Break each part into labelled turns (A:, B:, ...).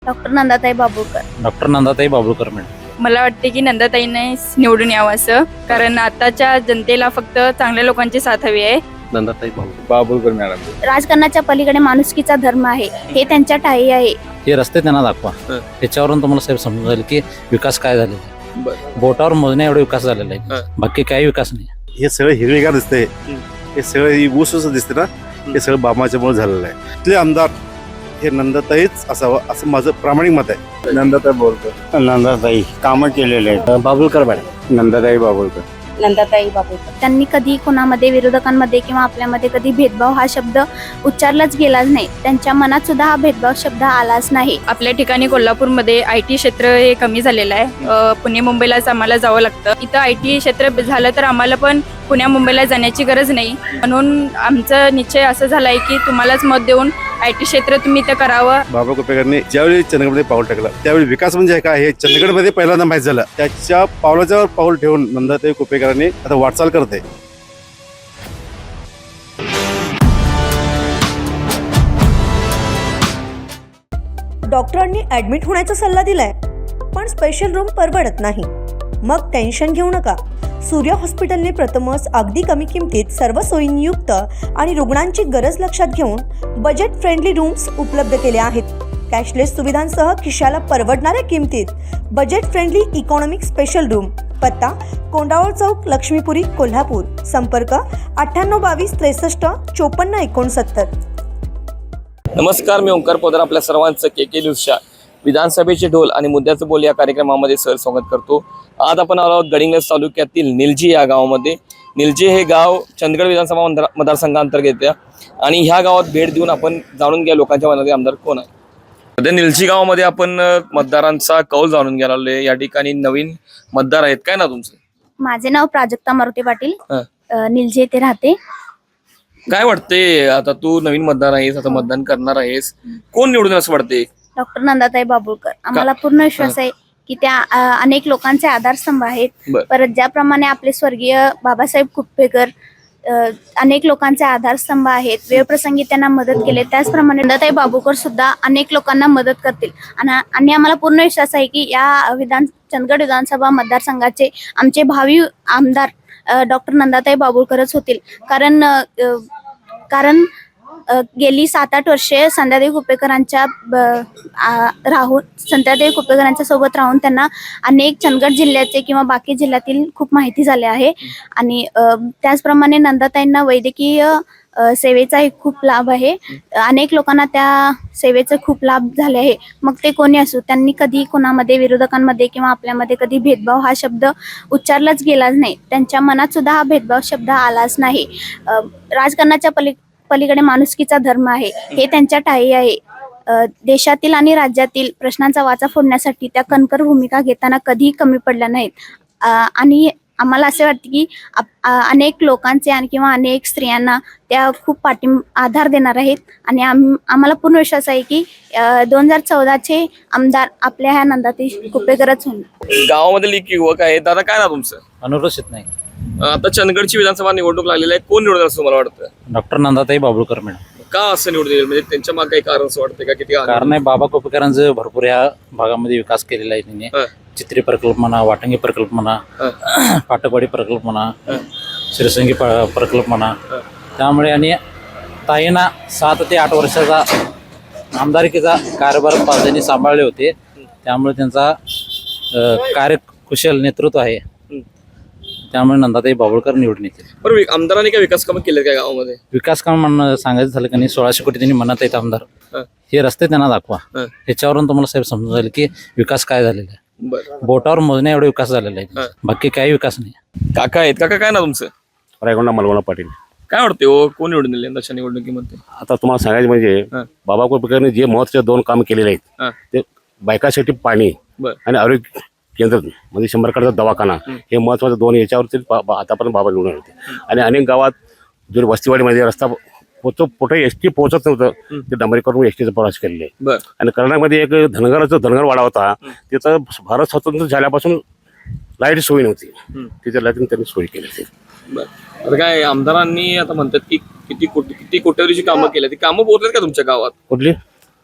A: Doctor Nandatai Babulkar
B: madam. मला वाटते की नंदाताईने निवडून यावं असं, कारण आताच्या जनतेला फक्त चांगल्या लोकांची साथ हवी आहे।
C: नंदाताई बाबुळकर मॅडम।
A: राजकारणाच्या पलीकडे माणुसकीचा धर्म आहे, हे त्यांच्या ठाई आहे।
D: हे रस्ते त्यांना दाखवा, त्याच्यावरून तुम्हाला साहेब समजून जाईल की विकास काय झालेला आहे। बोटावर मोजण्या एवढा विकास झालेला आहे, बाकी काही विकास नाही।
E: हे सगळं हिरवेगार दिसतंय, हे सगळं ऊस दिसते ना, हे सगळं बाबाच्यामुळे झालेलं आहे। इथले आमदार हे नंदाताईच असावं असं माझं प्रामाणिक मत आहे।
C: नंदाताई बाबुळकर। नंदाताई कामं केलेले आहेत। बाबुळकर मॅडम। नंदाताई बाबुळकर।
A: त्यांनी कधी कोणामध्ये, विरोधकांमध्ये किंवा आपल्यामध्ये कधी भेदभाव हा शब्द उच्चारलाच गेलाच नाही। त्यांच्या मनात सुद्धा हा भेदभाव शब्द आलाच नाही।
B: आपल्या ठिकाणी कोल्हापूरमध्ये IT क्षेत्र हे कमी झालेलं आहे। पुणे मुंबईलाच आम्हाला जावं लागतं। इथं IT क्षेत्र झालं तर आम्हाला पण पुण्या मुंबईला जाण्याची गरज नाही, म्हणून आमचा निश्चय असं झालाय की तुम्हालाच मत देऊन IT क्षेत्र तुम्ही इथं करावं।
E: बाबा कुपेकरांनी ज्यावेळी चंदगडमध्ये पाऊल टाकलं त्यावेळी विकास म्हणजे काय हे चंदगडमध्ये पहिल्यांदा माहीत झालं। त्याच्या पावलाच्यावर पाऊल ठेवून नंदाताई कुपेकरांनी आता वाटचाल करते।
F: डॉक्टरांनी ऍडमिट होण्याचा सल्ला दिलाय, पण स्पेशल रूम परवडत नाही। मग टेन्शन घेऊ नका। सूर्या हॉस्पिटलने प्रथमच अगदी कमी किमतीत सर्व सोयींयुक्त आणि रुग्णांची गरज लक्षात घेऊन बजेट फ्रेंडली रूम्स उपलब्ध केले आहेत। कॅशलेस सुविधांसह खिशाला परवडणाऱ्या किमतीत budget friendly economic special room. पत्ता कोंडावळ चौक, लक्ष्मीपुरी, कोल्हापूर। संपर्क 9822 63 54 69।
G: नमस्कार, मी ओंकार पोदार आपल्या सर्वांचं KK न्यूजच्या विधानसभेचे ढोल आणि मुद्द्याचं बोल या कार्यक्रमामध्ये स्वागत करतो। आज आपण आलो आहोत गडिंग्लज तालुक्यातील निलजी या गावामध्ये। निलजी हे गाव चंदगड विधानसभा मतदारसंघांतर्गत येते आणि ह्या गावात भेट देऊन आपण जाणून घ्या लोकांच्या मनातील आमदार कोण आहे। सध्या निलजी गावामध्ये आपण मतदारांचा कौल जाणून घ्यायला आलोय। या ठिकाणी नवीन मतदार आहेत, काय ना तुमचं?
A: माझे नाव प्राजक्ता मारुती पाटील, निलजी येथे राहते।
G: काय वाटते, आता तू नवीन मतदार आहेस, आता मतदान करणार आहेस, कोण निवडून असं वाटते?
A: डॉक्टर नंदाताई बाबुळकर। आम्हाला पूर्ण विश्वास आहे की त्या अनेक लोकांचे आधारस्तंभ आहेत। परत ज्याप्रमाणे आपले स्वर्गीय बाबासाहेब कुपेकर अनेक लोकांचे आधारस्तंभ आहेत, वेळप्रसंगी त्यांना मदत केले, त्याचप्रमाणे नंदाताई बाबुळकर सुद्धा अनेक लोकांना मदत करतील। आणि आम्हाला पूर्ण विश्वास आहे की या चंदगड विधानसभा मतदारसंघाचे आमचे भावी आमदार डॉक्टर नंदाताई बाबुळकरच होतील। कारण गेली 7-8 वर्षे संध्यादेवी कुपेकरांच्या सोबत राहून त्यांना अनेक चंदगड जिल्ह्याचे किंवा बाकी जिल्ह्यातील खूप माहिती झाली आहे। आणि त्याचप्रमाणे नंदाताईंना वैद्यकीय सेवेचाही खूप लाभ आहे। अनेक लोकांना त्या सेवेचा खूप लाभ झाले आहे। मग ते कोणी असो, त्यांनी कधी कोणामध्ये, विरोधकांमध्ये किंवा आपल्यामध्ये कधी भेदभाव हा शब्द उच्चारलाच गेलाच नाही। त्यांच्या मनात सुद्धा हा भेदभाव शब्द आलाच नाही। राजकारणाच्या पलीकडे माणुसकीचा धर्म आहे, हे त्यांच्या ठाई आहे। देशातील आणि राज्यातील प्रश्नांचा वाचा फोडण्यासाठी त्या कणखर भूमिका घेताना कधीही कमी पडल्या नाहीत। आणि आम्हाला असे वाटते की अनेक लोकांचे आणि किंवा अनेक स्त्रियांना त्या खूप आधार देणार आहेत। आणि आम्हाला पूर्ण विश्वास आहे की 2014चे आमदार आपल्या ह्या नंदाताई कुपेकरच होणार।
G: गावामधील एक युवक आहे, दादा काय ना तुमचं?
D: अनुरोषित नाही।
G: आता चंदगडची विधानसभा निवडणूक लागलेली आहे, कोण निवडून असं मला वाटतं?
D: Doctor Nandatai Babulkar madam.
G: का असं निवडून येईल, म्हणजे त्यांच्या मागे काही कारण असं वाटतं का? किती
D: कारण आहे, बाबा कुपेकरांचं भरपूर ह्या भागामध्ये विकास केलेला आहे त्यांनी। चित्री प्रकल्प म्हणा, वाटंगी प्रकल्प म्हणा, पाटकवाडी प्रकल्प म्हणा, शिरसंगी प्रकल्प म्हणा। त्यामुळे आणि ताईंना 7 ते 8 वर्षाचा आमदारकीचा कारभार त्यांनी सांभाळले होते, त्यामुळे त्यांचा कार्यकुशल नेतृत्व आहे, त्यामुळे नंदाताई बाबुळकर निवडून येतील।
G: बरं, आमदारांनी काय विकास कामं केले काय गावामध्ये?
D: विकास काम म्हणणं सांगायचं झालं का नाही, 1600 कोटी त्यांनी म्हणत आहेत आमदार, हे रस्ते त्यांना दाखवा, त्याच्यावरून तुम्हाला साहेब समजून जाईल की विकास काय झालेला आहे। बोटावर मोजण्या एवढा विकास झालेला आहे, बाकी काही विकास नाही।
G: काका आहेत, काका काय ना तुमचं?
E: रायगोंडा मलगोंडा पाटील।
G: काय वाटते हो, कोण निवडून येईल यंदाच्या निवडणुकीमध्ये?
E: आता तुम्हाला सांगायचं म्हणजे बाबा कुपेकरांनी जे महत्वाचे 2 काम केलेले आहेत, ते बायकासाठी पाणी आणि आरोग्य केंद्र म्हणजे 100 दवाखाना, हे महत्वाचे 2 याच्यावरती आतापर्यंत बाबा निवडून होते। आणि अनेक गावात जो वस्तीवाडीमध्ये रस्ता कुठे SD पोहोचत नव्हतं, ते डांबरीकरण STचा प्रवास केलेले आहे। आणि कर्नाटकमध्ये एक धनगर वाडा होता, तिथं भारत स्वतंत्र झाल्यापासून लाईट सोय नव्हती, तिथे लाईट त्यांनी सोय केली होती।
G: आता काय आमदारांनी आता म्हणतात की किती कोटीवरीची कामं केली, ती कामं पोहोचलेत का तुमच्या गावात?
E: कुठली?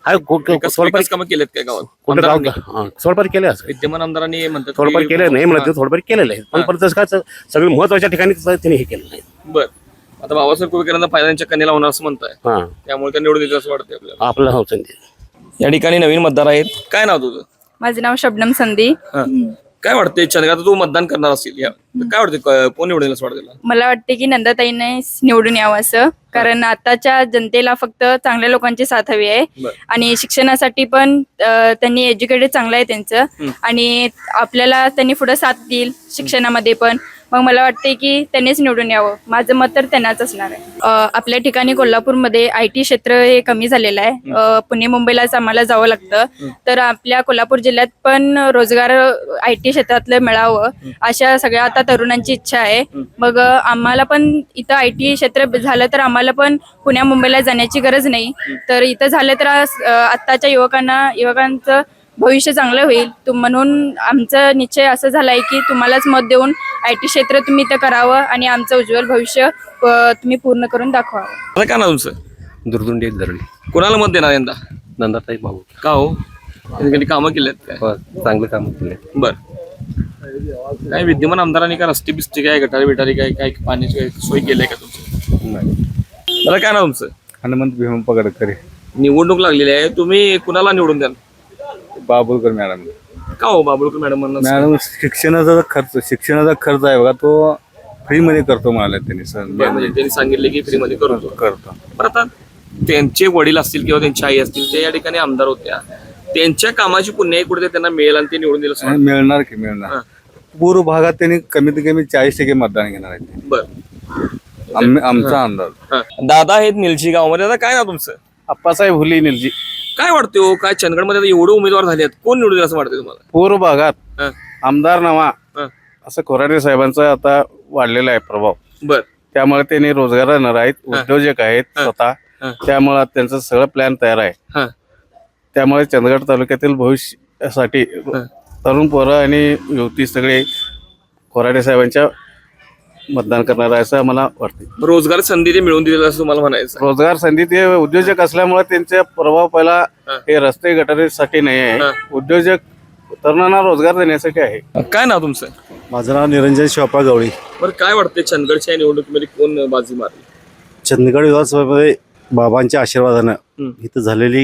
G: विकास कामं केलेत काय गावात
E: कुठं
G: आमदारांनी?
E: गाव थोडंफार केले असं
G: विद्यमान आमदारांनी म्हणतात
E: थोडंफार
G: की-
E: केलं नाही म्हणत थोडंफार केलेलं आहे पण परत काय सगळे महत्वाच्या ठिकाणी त्यांनी हे केलं नाही.
G: बर आता बाबासाहेब कुपेकरांना फायदा त्यांच्या कन्याला होणार असं म्हणताय,
E: हा
G: त्यामुळे त्या निवडून येतील असं वाटतंय आपल्याला.
E: आपलं हो संधी
G: या ठिकाणी नवीन मतदार आहेत. काय नाव तुझं?
B: माझं नाव शबनम संधी.
G: हा. काय वाटतंय चंद्रकांत, आता तू मतदान करणार असेल या तर काय वाटतंय कोण निवडून येईल असं वाटतं तुला?
B: मला वाटते की नंदाताईने निवडून यावं असं, कारण आताच्या जनतेला फक्त चांगल्या लोकांची साथ हवी आहे.
G: बरं.
B: आणि शिक्षणासाठी पण त्यांनी एज्युकेटेड चांगलं आहे त्यांचं, आणि आपल्याला त्यांनी पुढे साथ देईल शिक्षणामध्ये पण. मग मला वाटते की त्यांनीच निवडून यावं. माझं मत तर त्यांनाच असणार आहे. आपल्या ठिकाणी कोल्हापूरमध्ये IT क्षेत्र हे कमी झालेलं आहे. पुणे मुंबईलाच आम्हाला जावं लागतं. तर आपल्या कोल्हापूर जिल्ह्यात पण रोजगार IT क्षेत्रातलं मिळावं अशा सगळ्या आता तरुणांची इच्छा आहे. मग आम्हाला पण इथं IT क्षेत्र झालं तर आम्हाला पण पुण्या मुंबईला जाण्याची गरज नाही. तर इथं झालं तर आत्ताच्या युवकांचं भविष्य चांगलं होईल. म्हणून आमचा निश्चय असं झाला आहे की तुम्हालाच मत देऊन IT क्षेत्र तुम्ही इथं करावं आणि आमचं उज्ज्वल भविष्य तुम्ही पूर्ण करून दाखवावं.
G: आता काय नाव तुमचं?
C: दुर्दुंडी एक धरणी
G: कोणाला मत देणार यंदा?
C: नंदाताई बाबू
G: का हो? त्यांनी कधी कामं केलेत काय?
C: चांगलं काम केले.
G: बर काय विद्यमान आमदारांनी काय रस्ते बिस्ते काय गटारी बिटारी काय काय पाण्याची काय सोय केली आहे का तुमची? मला काय नाव तुमचं?
H: हनुमंत भीम पगडकरी.
G: निवडणूक लागलेली आहे, तुम्ही कुणाला निवडून द्याल?
H: बाबुलकर मॅडम.
G: का हो बाबुळकर मॅडम म्हणून?
H: मॅडम शिक्षणाचा खर्च आहे बघा, तो फ्रीमध्ये करतो म्हणाले त्यांनी सर.
G: म्हणजे त्यांनी सांगितले की फ्रीमध्ये करतो.
H: करतो.
G: पण आता त्यांचे वडील असतील किंवा त्यांची आई असतील ते या ठिकाणी आमदार होत्या, त्यांच्या कामाची पुण्य कुठे त्यांना मिळेल आणि ते निवडून दिलं असं वाटतं?
H: मिळणार की मिळणार. पूर्व भागात त्यांनी कमीत कमी 40% मतदान घेणार आहे.
G: बर
H: आमचा अंदाज.
G: दादा आहेत निलजी गावामध्ये. आता काय ना तुमचं?
H: अप्पासाहेब हुली निलजी.
G: काय वाटतं हो, काय चंदगडमध्ये आता एवढे उमेदवार झाले आहेत, कोण निवडून असं वाटतं तुम्हाला?
H: पूर्व भागात
G: हा.
H: आमदार नवा
G: हा.
H: असं कोराडे साहेबांचा आता वाढलेला आहे प्रभाव.
G: बर
H: त्यामुळे त्यांनी रोजगार देणार आहेत, उद्योजक आहेत स्वतः. त्यामुळे त्यांचं सगळं प्लॅन तयार आहे.
G: हा.
H: त्यामुळे चंदगड तालुक्यातील भविष्यासाठी तरुण पोरं आणि युवती सगळे कोराडे साहेबांच्या मतदान करणार आहे असं मला वाटते.
G: रोजगार संधी ते मिळवून दिलेलं असं तुम्हाला म्हणायचं?
H: रोजगार संधी ते उद्योजक असल्यामुळे त्यांचा प्रभाव पहिला हे रस्ते गटारीसाठी नाही आहे, उद्योजक तरुणांना रोजगार देण्यासाठी आहे.
G: काय नाव तुमचं?
C: माझं नाव निरंजन शिवापा गवळी.
G: बरं काय वाटतंय चंदगडच्या निवडणुकीमध्ये कोण बाजी मारली?
C: चंदगड विधानसभेमध्ये बाबांच्या आशीर्वादानं इथं झालेली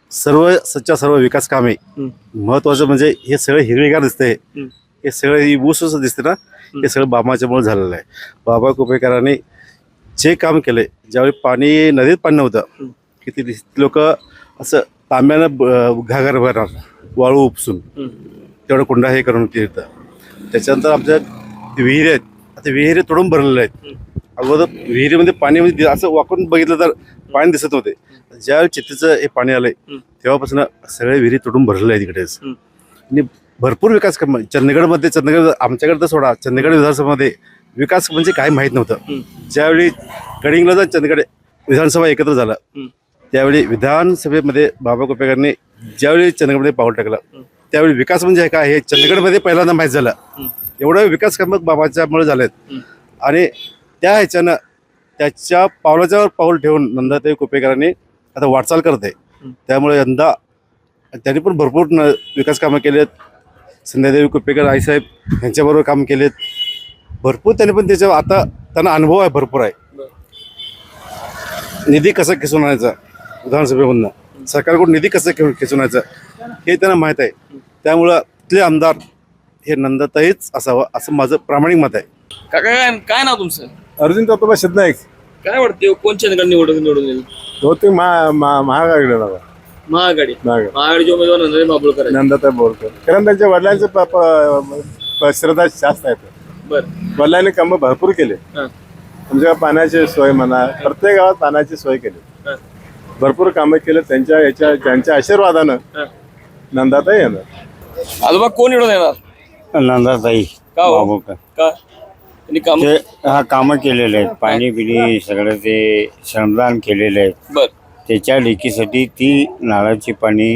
C: सर्व विकास कामे, महत्वाचं म्हणजे हे सगळं हिरवेगार दिसतंय, हे सगळं ऊस दिसते ना, हे सगळं बाबाच्यामुळे झालेलं आहे. बाबा कुपेकरांनी जे काम केले, ज्यावेळी पाणी नदीत पाणी नव्हतं, किती लोक असं तांब्यानं घागर भरणार, वाळू उपसून तेवढं कुंडा हे करून तिथं. त्याच्यानंतर आमच्या विहिरी आहेत, आता विहिरी तोडून भरलेल्या आहेत. अगोदर विहिरीमध्ये पाणी म्हणजे असं वाकून बघितलं तर पाणी दिसत नव्हते. ज्यावेळी चित्तीचं हे पाणी आलंय तेव्हापासून सगळे विहिरी तोडून भरलेले आहे तिकडेच. आणि भरपूर विकास चंदगडमध्ये, चंदगड आमच्याकडे तर सोडा, चंदगड विधानसभेमध्ये विकास म्हणजे काय माहीत नव्हतं. ज्यावेळी गडिंग्लज आणि चंदगड विधानसभा एकत्र झाला त्यावेळी विधानसभेमध्ये बाबा कुपेकरांनी ज्यावेळी चंदगडमध्ये पाऊल टाकलं त्यावेळी विकास म्हणजे काय हे चंदगडमध्ये पहिल्यांदा माहीत झालं. एवढं विकास काम बाबाच्यामुळे झालेत. आणि त्या ह्याच्यानं त्याच्या पावलाच्यावर पाऊल ठेवून नंदाताई कुपेकरांनी आता वाटचाल करत आहे. त्यामुळे यंदा त्यांनी पण भरपूर विकास कामं केलेत. संध्यादेवी कुपेकर आईसाहेब यांच्याबरोबर काम केलेत भरपूर. त्यांनी पण त्याच्या आता त्यांना अनुभव आहे, भरपूर आहे. निधी कसा खेचून आणायचा विधानसभेमधनं, सरकारकडून निधी कसं खेचून आणायचं हे त्यांना माहीत आहे. त्यामुळं तिथले आमदार हे नंदाताईच असावं असं माझं प्रामाणिक मत आहे.
G: काय काय नाव तुमचं?
H: अर्जुन तत्वबा शिदनाईक.
G: काय वाटते कोण चंदगड निवडून येईल?
H: बहुतेक महागाकडे
G: महाआघाडी. महाआघाडीचे उमेदवार नंदाताई बाबुळकर आहेत.
H: नंदाताई बोलकर, कारण त्यांच्या वडिलांचे श्रद्धा जास्त आहेत.
G: बर
H: वडिलांनी कामं भरपूर केले. म्हणजे पाण्याची सोय म्हणा, प्रत्येक गावात पाण्याची सोय केली, भरपूर कामं केले. त्यांच्या आशीर्वादानं नंदाताई येणार.
G: आजोबा कोण निवडून येणार?
C: नंदाताई
G: का हो?
C: बाबूकर.
G: का त्यांनी काम?
C: ते कामं केलेले आहेत, पाणी बिणी सगळं ते श्रमदान केलेलं आहे.
G: बर
C: त्याच्या लेकीसाठी ती नारळाची पाणी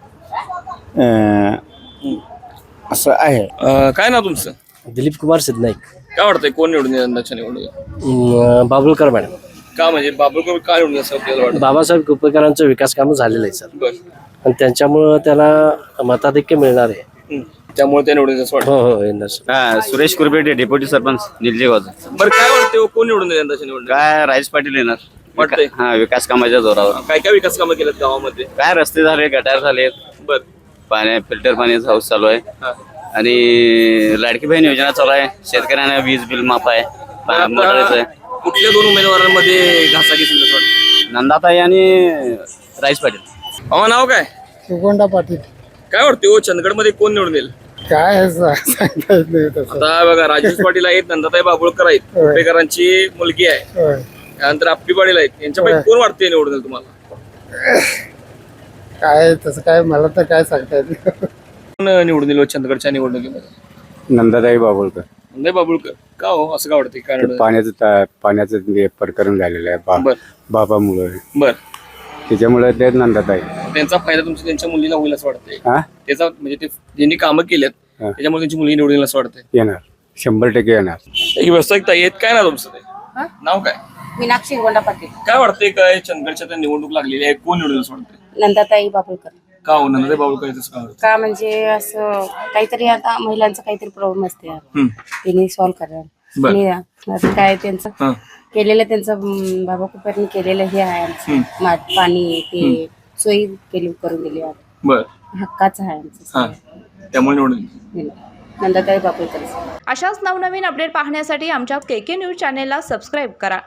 C: असं आहे.
G: काय नाव तुमचं?
I: दिलीप कुमार सिद्धनाईक.
G: काय वाटतंय कोण निवडून येईल यंदाच्या निवडणुकीत?
I: बाबुलकर मॅडम.
G: का म्हणजे बाबुळकर का निवडून असं आपल्याला वाटतं?
I: बाबासाहेब कुपेकरांचं विकास कामं झालेलं आहे सर,
G: बर.
I: आणि त्यांच्यामुळं त्याला मताधिक्य मिळणार आहे.
G: त्यामुळे ते निवडून असं वाटतं.
I: हो येणार सर.
J: सुरेश कुरबेटे डेप्युटी सरपंच निलजीगावचा.
G: बरं काय वाटतं कोण निवडून येईल यंदाच्या निवडणूक?
J: काय राजेश पाटील येणार
G: वाटतंय?
J: हा, विकास कामाच्या जोरावर.
G: काय काय विकास कामं केलेत गावामध्ये?
J: काय रस्ते झाले, गटार झाले,
G: बर.
J: पाण्या फिल्टर पाण्याचा हाऊस चालू आहे
G: हा.
J: आणि लाडकी बहीण योजना चालू आहे. शेतकऱ्यांना वीज बिल माफ आहे, मोटरचं आहे.
G: कुठल्या दोन उमेदवारांमध्ये घासाघीस असं वाटतं?
J: नंदाताई आणि राजेश पाटील.
G: अहो नाव काय?
K: सुगोंडा पाटील.
G: काय वाटतं हो चंदगड मध्ये कोण निवडून येईल?
K: काय सांगता येत नाही तसं.
G: आता बघा राजेश पाटील आहेत, नंदाताई बाबुळकर आहेत, कुपेकरांची मुलगी आहे,
K: होय.
G: त्यानंतर आप्पी पाटील आहेत. यांच्यापैकी कोण वाटते निवडून येईल तुम्हाला?
K: काय तसं काय मला तर काय सांगता येत नाही.
G: कोण निवडून येईल चंदगडच्या निवडणुकीमध्ये?
E: नंदाताई बाबुळकर.
G: नंदाई बाबुळकर. का हो असं का वाटते? काय निवडून?
E: पाण्याचं प्रकरण झालेलं आहे
G: बर
E: बाबामुळे,
G: बर.
E: त्याच्यामुळे ते नंदाताई.
G: त्यांचा फायदा तुमच्या त्यांच्या मुलीला होईल असं वाटतंय?
E: हा
G: त्याचा म्हणजे ते ज्यांनी कामं केलेत
E: हा.
G: त्याच्यामुळे त्यांची मुलगी निवडून येईल असं वाटतंय?
E: येणार, 100% येणार.
G: एक व्यावसायिकता येत काय ना तुमचं ते? नाव काय?
L: मीनाक्षी गोंडा पाटील.
G: काय वाटतंय काय चंदगडच्या त्या निवडणूक लागलेली आहे, कोण निवडून येईल असं वाटतंय?
L: नंदाताई बाबुळकर.
G: का हो नंदाताई बाबुळकर तसं का वाटतं?
L: का म्हणजे असं काहीतरी आता महिलांचा काहीतरी प्रॉब्लेम असते त्यांनी सॉल्व्ह
G: बर.
L: करायला. आता काय त्यांचं
G: हा.
L: केलेलं त्यांचं बाबा कुपेरनी केलेलं हे आहे आमचं. पाणी ते सोयी केली करून दिली आहे.
G: बर.
L: हक्काचं आहे आमचं.
G: हा, त्यामुळे निवडून येईल.
L: नंदाताई बाबुळकर.
M: अशाच नवनवीन अपडेट पाहण्यासाठी आमच्या KK न्यूज चॅनेलला सबस्क्राईब करा.